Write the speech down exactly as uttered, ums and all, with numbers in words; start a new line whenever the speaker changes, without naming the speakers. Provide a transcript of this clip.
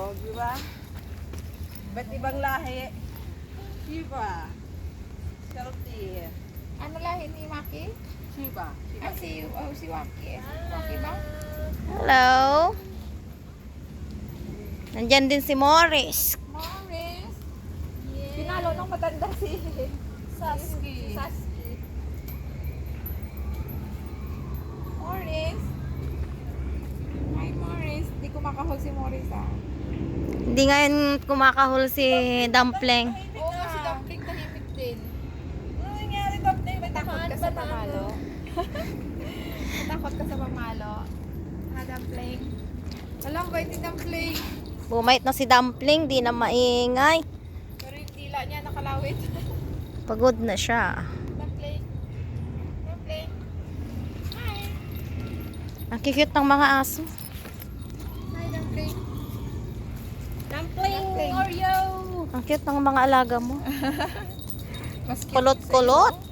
O, di ba? Ba't ibang lahi? Shiba. Salty.
Ano lahi ni Maki?
Shiba.
Ah, si, oh, si Waki. Waki ba?
Hello. Nandyan din si Morris.
Morris. Pinalo nung matanda si
Saski.
si Saski. Morris. Hi, Morris. Di ko makahol si Morris, ah.
Hindi ngayon kumakahol si Dumpling.
Oo nga, si Dumpling tahimik din.
Ano nangyari, Dumpling?
May takot ka sa pamalo. Matakot ka sa pamalo. Ha, Dumpling? Alam ba yung Dumpling?
Bumait na si Dumpling, di na maingay.
Pero yung tila niya nakalawit.
Pagod na siya.
Dumpling. Dumpling. Hi.
Ang cute ng mga aso.
Hi, Dumpling.
Dumpling,
Dumpling.
Oreo.
Ang cute ng mga alaga mo.
Mas cute
Kulot-kulot.